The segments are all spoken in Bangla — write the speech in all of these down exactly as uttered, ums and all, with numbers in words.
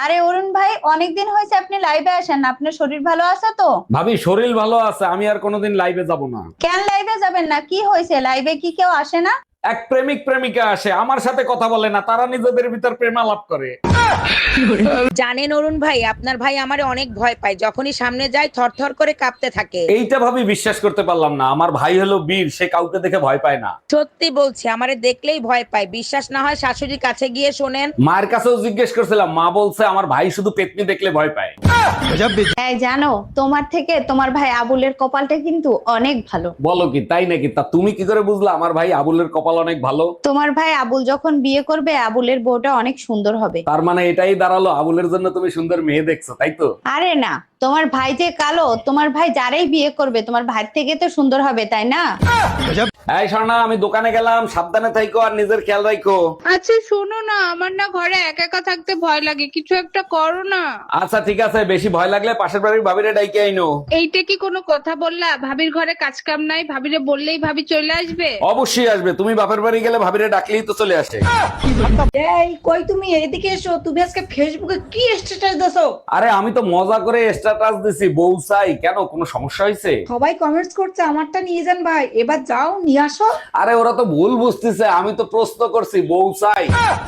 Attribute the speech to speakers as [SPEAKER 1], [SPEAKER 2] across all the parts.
[SPEAKER 1] আরে অরুণ ভাই, অনেকদিন হয়েছে আপনি লাইভে আসেন না, আপনার শরীর ভালো আছে তো?
[SPEAKER 2] ভাবি শরীর ভালো আছে, আমি আর কোনোদিন লাইভে যাব না।
[SPEAKER 1] কেন লাইভে যাবেন না? কি হয়েছে? লাইভে কি কেউ আসে না?
[SPEAKER 2] এক প্রেমিক প্রেমিকা আসে, আমার সাথে কথা বলে না, তারা নিজেদের ভিতর প্রেমালাপ করে।
[SPEAKER 3] জানেন অরুণ ভাই, আপনার ভাই আমারে অনেক ভয় পায়, যখনই সামনে যায় থরথর করে কাঁপতে থাকে।
[SPEAKER 2] এইটা ভাবি বিশ্বাস করতে পারলাম না, আমার ভাই হলো বীর, সে কাউকে দেখে ভয় পায় না।
[SPEAKER 3] সত্যি বলছি, আমারে দেখলেই ভয় পায়। বিশ্বাস না হয় শাশুড়ির কাছে গিয়ে শোনেন।
[SPEAKER 2] মায়ের কাছেও জিজ্ঞেস করছিলাম, মা বলছে আমার ভাই শুধু পেতনি দেখলে ভয় পায়।
[SPEAKER 1] এই জানো, তোমার থেকে তোমার ভাই আবুলের কপালটা কিন্তু অনেক ভালো।
[SPEAKER 2] বলো কি, তাই নাকি? তা তুমি কি করে বুঝলা আমার ভাই আবুলের কপাল অনেক ভালো?
[SPEAKER 1] তোমার ভাই আবুল যখন বিয়ে করবে, আবুলের বউটা অনেক সুন্দর হবে।
[SPEAKER 2] তার মানে এটাই দাঁড়ালো আবুলের জন্য তুমি সুন্দর মেয়ে দেখছো, তাই তো?
[SPEAKER 1] আরে না, তোমার ভাই যে কালো, তোমার ভাই যারাই বিয়ে করবে তোমার ভাই থেকে তো সুন্দর হবে, তাই না?
[SPEAKER 2] এই স্বর্ণা, আমি দোকানে গেলাম, সাবধানে থাইকো আর নিজের খেয়াল রাখো।
[SPEAKER 4] আচ্ছা শোনো না, আমার না ঘরে একা একা থাকতে ভয় লাগে, কিছু একটা করো না।
[SPEAKER 2] আচ্ছা ঠিক আছে, বেশি ভয় লাগলে পাশের বাড়ির ভাবিরে ডাইকে আইনো।
[SPEAKER 4] এইটা কি কোনো কথা বললা? ভাবির ঘরে কাজ কাম নাই, ভাবিরে বললেই ভাবি চলে আসবে?
[SPEAKER 2] অবশ্যই আসবে, তুমি বাপের বাড়ি গেলে ভাবিরে ডাকলেই তো চলে আসে।
[SPEAKER 5] এই কই তুমি এদিকে এসো। তুমি আজকে ফেসবুকে কি স্ট্যাটাস দাও?
[SPEAKER 2] আরে আমি তো মজা করে স্ট্যাটাস দিছি, বউ চাই। কেন, কোনো সমস্যা হয়েছে?
[SPEAKER 5] সবাই কমেন্টস করছে আমারটা নিয়ে যান ভাই, এবার যাও নিয়ে আসো।
[SPEAKER 2] আরে ওরা তো ভুল বুঝতেছে, আমি তো প্রশ্ন করছি বউ চাই।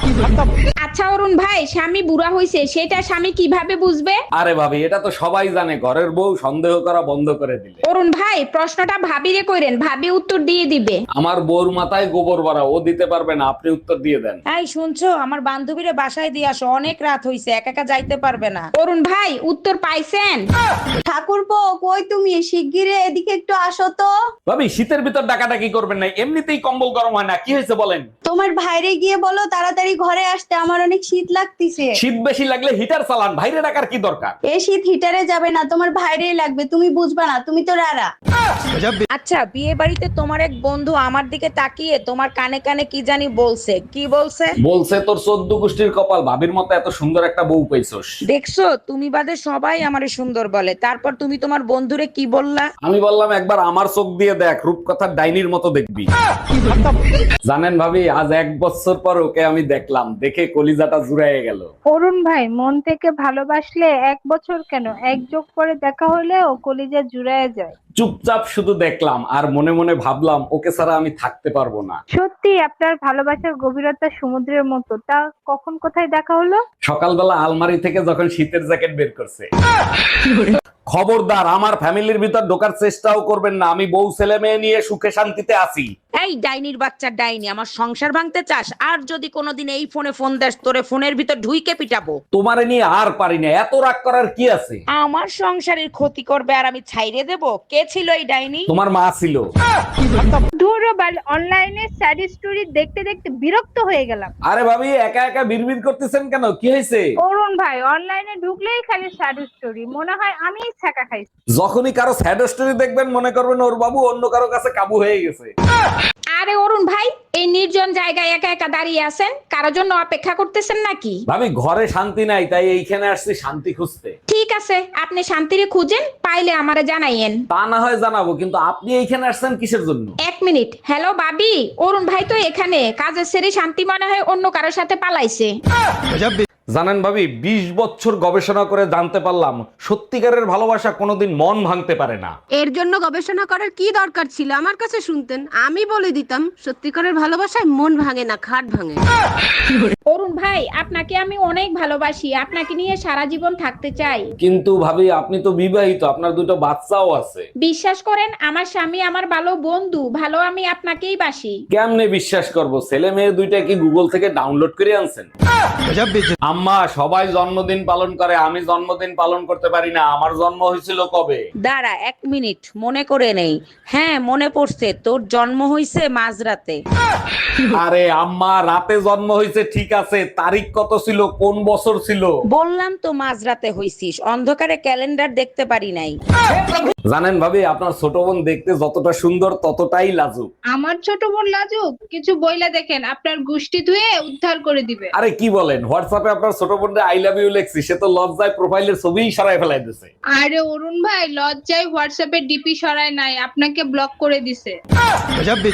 [SPEAKER 4] আচ্ছা অরুণ ভাই, স্বামী বুড়া হয়েছে সেটা স্বামী কিভাবে বুঝবে?
[SPEAKER 2] আরে ভাবি, এটা তো সবাই জানে, ঘরের বউ সন্দেহ করা বন্ধ করে দিলে।
[SPEAKER 4] অরুণ ভাই, প্রশ্নটা ভাবিরে কইরেন, ভাবি উত্তর দিয়ে দিবে।
[SPEAKER 2] আমার বউর মাথায় গোবর ভরা, ও দিতে পারবে না, আপনি উত্তর দিয়ে দেন।
[SPEAKER 3] এই শুনছো, আমার বান্ধবীরে বাসায় দিয়ে আসো, অনেক রাত হইছে, একা একা যাইতে পারবে না।
[SPEAKER 4] অরুণ ভাই, উত্তর পাইছেন?
[SPEAKER 1] ঠাকুরপো, কই তুমি? শিগগিরই এদিকে একটু আসো তো।
[SPEAKER 2] ভাবি শীতের ভিতর ডাকাডাকি করবেন না, এমনিতেই কম্বল গরম হয় না, কি হয়েছে বলেন?
[SPEAKER 1] তোমার ভাইরে গিয়ে বলো তাড়াতাড়ি ঘরে আসতে, আমার অনেক শীত লাগতেছে।
[SPEAKER 2] শীত বেশি লাগলে হিটার চালান, বাইরে ডাকার কি দরকার?
[SPEAKER 1] এই শীত হিটারে যাবে না, তোমার ভাইরেই লাগবে, তুমি বুঝবা না, তুমি তো রারা।
[SPEAKER 3] আচ্ছা, বিয়ে বাড়িতে তোমার এক বন্ধু আমার দিকে তাকিয়ে তোমার কানে কানে কি জানি বলছে, কি বলছে?
[SPEAKER 2] বলছে তোর চোদ্দ গোষ্ঠীর কপাল, ভাবির মতো এত সুন্দর একটা বউ পাইছস।
[SPEAKER 3] দেখছো, তুমি বাদে সবাই আমারে সুন্দর বলে, তারপর তুমি তোমার বন্ধুরে কি বললা?
[SPEAKER 2] আমি বললাম একবার আমার চোখ দিয়ে দেখ, রূপকথার ডাইনির মতো দেখবি। জানেন ভাবি, আজ এক বছর পর ওকে আমি দেখলাম, দেখে কলিজাটা জুড়াইয়ে গেল।
[SPEAKER 6] অরুণ ভাই, মন থেকে ভালোবাসলে এক বছর কেন, এক যোগ করে দেখা হলেও কলিজা জুড়ায় যায়।
[SPEAKER 2] চুপচাপ শুধু দেখলাম আর মনে মনে ভাবলাম ওকে ছাড়া আমি থাকতে পারবো না।
[SPEAKER 6] সত্যি আপনার ভালোবাসার গভীরতা সমুদ্রের মতো। তা কখন কোথায় দেখা হলো?
[SPEAKER 2] সকালবেলা আলমারি থেকে যখন শীতের জ্যাকেট বের করছে। খবরদার আমার ফ্যামিলির ভিতর ঢোকার চেষ্টাও করবেন না, আমি বউ ছেলে মেয়ে নিয়ে সুখে শান্তিতে আছি।
[SPEAKER 3] এই ডাইনির বাচ্চা ডাইনি, আমার সংসার ভাঙতে চাস? আর যদি কোনোদিন এই ফোনে ফোন দেস, তোরে ফোনের ভিতর ঢুইকে পিটাবো।
[SPEAKER 2] তোমারে নিয়ে আর পারি না, এত রাগ করার কি আছে?
[SPEAKER 3] আমার সংসারের ক্ষতি করবে আর আমি ছাইরে দেব? কে ছিল এই ডাইনি?
[SPEAKER 2] তোমার মা ছিল।
[SPEAKER 6] দূরবাল অনলাইনে স্যাড স্টোরি দেখতে দেখতে বিরক্ত হয়ে গেলাম।
[SPEAKER 2] আরে ভাবি, একা একা বিড়বিড় করতেছেন কেন, কি হয়েছে?
[SPEAKER 6] অরুণ ভাই, অনলাইনে ঢুকলেই খালি স্যাড স্টোরি, মনে হয় আমি ছাকা খাইছি।
[SPEAKER 2] যখনই কারো স্যাড স্টোরি দেখবেন মনে করবেন ওর বাবু অন্য কারো কাছে কাবু হয়ে গেছে।
[SPEAKER 4] আরে অরুণ ভাই, এই নির্জন জায়গায় একা একা দাঁড়িয়ে আছেন, কারোর জন্য অপেক্ষা করতেছেন নাকি?
[SPEAKER 2] ভাবি ঘরে শান্তি নাই, তাই এইখানে আসছি শান্তি খুঁজতে।
[SPEAKER 4] ঠিক আছে, আপনি শান্তিরে খুঁজেন, পাইলে আমারে জানাইয়েন।
[SPEAKER 2] তা না হয় জানাবো, কিন্তু আপনি এইখানে আসছেন কিসের জন্য?
[SPEAKER 4] এক মিনিট। হ্যালো বাবি, অরুণ ভাই তো এখানে, কাজের সেরে শান্তি মনে হয় অন্য কারোর সাথে পালাইছে।
[SPEAKER 2] জানেন ভাবি, বিশ বছর গবেষণা করে জানতে পারলাম সত্যিকারের ভালোবাসা কোনোদিন মন ভাঙতে পারে না।
[SPEAKER 7] এর জন্য গবেষণা করার কি দরকার ছিল? আমার কাছে শুনতেন, আমি বলে দিতাম সত্যিকারের ভালোবাসায় মন ভাঙে না, খাট ভাঙে।
[SPEAKER 4] অরুণ ভাই, আপনাকে আমি অনেক ভালোবাসি, আপনাকে নিয়ে সারা জীবন থাকতে চাই।
[SPEAKER 2] কিন্তু ভাবি আপনি তো বিবাহিত, আপনার দুটো বাচ্চাও আছে।
[SPEAKER 4] বিশ্বাস করেন, আমার স্বামী আমার ভালো বন্ধু, ভালো আমি আপনাকেই বাসি।
[SPEAKER 2] কেমনে বিশ্বাস করব? ছেলে মেয়ে দুইটা কি গুগল থেকে ডাউনলোড করে আনছেন? আম্মা, সবাই জন্মদিন পালন করে, আমি জন্মদিন পালন করতে পারি না, আমার জন্ম হয়েছিল কবে?
[SPEAKER 3] দাঁড়া এক মিনিট, মনে করে নেই। হ্যাঁ মনে পড়ছে, তোর জন্ম হইছে মাঝরাতে।
[SPEAKER 2] আরে আম্মা, রাতে জন্ম হয়েছে ঠিক আছে, তারিখ কত ছিল, কোন বছর ছিল?
[SPEAKER 3] বললাম তো মাঝরাতে হইছিস, অন্ধকারে ক্যালেন্ডার দেখতে পারি নাই।
[SPEAKER 2] জানেন ভাবি, আপনার ছোট বোন দেখতে যতটা সুন্দর ততটাই লাজুক।
[SPEAKER 4] আমার ছোট বোন লাজুক? কিছু বইলা দেখেন, আপনার গুষ্টি ধুয়ে উদ্ধার করে দিবে।
[SPEAKER 2] আরে কি বলেন, হোয়াটসঅ্যাপে আপনার ছোট বোনরে আই লাভ ইউ লেখছি, সে তো লজ্জায় প্রোফাইলের ছবিই সরাই ফেলাই দিছে।
[SPEAKER 4] আরে অরুণ ভাই, লজ্জায় হোয়াটসঅ্যাপে ডিপি সরায় নাই, আপনাকে ব্লক করে দিছে।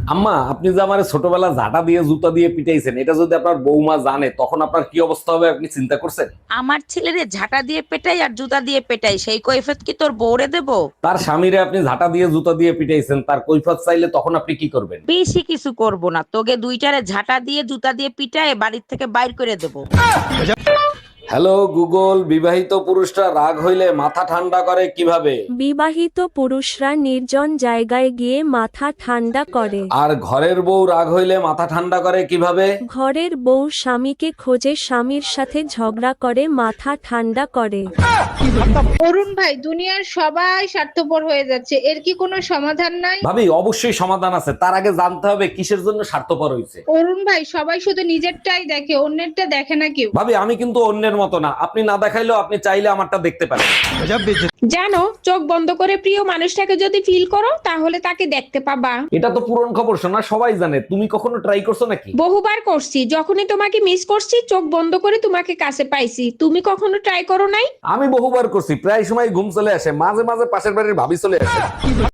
[SPEAKER 2] আম্মা, আপনি যে আমার ছোটবেলা ঝাঁটা দিয়ে জুতা দিয়ে পিটাইছেন, এটা যদি আপনার বৌমা জানে তখন আপনার কি অবস্থা হবে আপনি চিন্তা করছেন?
[SPEAKER 3] আমার ছেলেরে ঝাঁটা দিয়ে পেটাই আর জুতা দিয়ে পেটাই, সেই কৈফিয়ত কি তোর বউরে দেবো?
[SPEAKER 2] তার স্বামীরে আপনি ঝাঁটা দিয়ে জুতা দিয়ে পিটাইছেন, তার কৈফিয়ত চাইলে তখন আপনি কি করবেন?
[SPEAKER 3] বেশি কিছু করব না, তোকে দুইটারে ঝাঁটা দিয়ে জুতা দিয়ে পিটায় বাড়ির থেকে বাইর করে দেবো।
[SPEAKER 2] হ্যালো গুগল, বিবাহিত পুরুষরা রাগ হইলে মাথা ঠান্ডা করে কিভাবে?
[SPEAKER 8] বিবাহিত পুরুষরা নির্জন জায়গায় গিয়ে মাথা ঠান্ডা করে।
[SPEAKER 2] আর ঘরের বউ রাগ হইলে মাথা ঠান্ডা করে কিভাবে?
[SPEAKER 8] ঘরের বউ স্বামীকে খোঁজে, স্বামীর সাথে ঝগড়া করে মাথা ঠান্ডা করে।
[SPEAKER 6] অরুণ ভাই, দুনিয়ার সবাই স্বার্থপর হয়ে যাচ্ছে, এর কি কোনো সমাধান নাই?
[SPEAKER 2] ভাবি, অবশ্যই সমাধান আছে, তার আগে জানতে হবে কিসের জন্য স্বার্থপর হইছে।
[SPEAKER 6] অরুণ ভাই, সবাই শুধু নিজেরটাই দেখে, অন্যেরটা দেখে না কেউ।
[SPEAKER 2] ভাবি, আমি কিন্তু অন্যের মতো না, আপনি না দেখাইলেও আপনি চাইলে আমারটা দেখতে পারেন।
[SPEAKER 4] জানো, চোখ বন্ধ করে প্রিয় মানুষটাকে যদি ফিল করো তাহলে তাকে দেখতে পাবা।
[SPEAKER 2] এটা তো পুরন খবর, শোনা সবাই জানে। তুমি কখনো ট্রাই করছো নাকি?
[SPEAKER 4] বহুবার করছি, যখনই তোমাকে মিস করছি চোখ বন্ধ করে তোমাকে কাছে পাইছি। তুমি কখনো ট্রাই করো নাই?
[SPEAKER 2] আমি বহুবার করছি, প্রায় সময় ঘুম চলে আসে, মাঝে মাঝে পাশের বাড়ির ভাবি চলে আসে।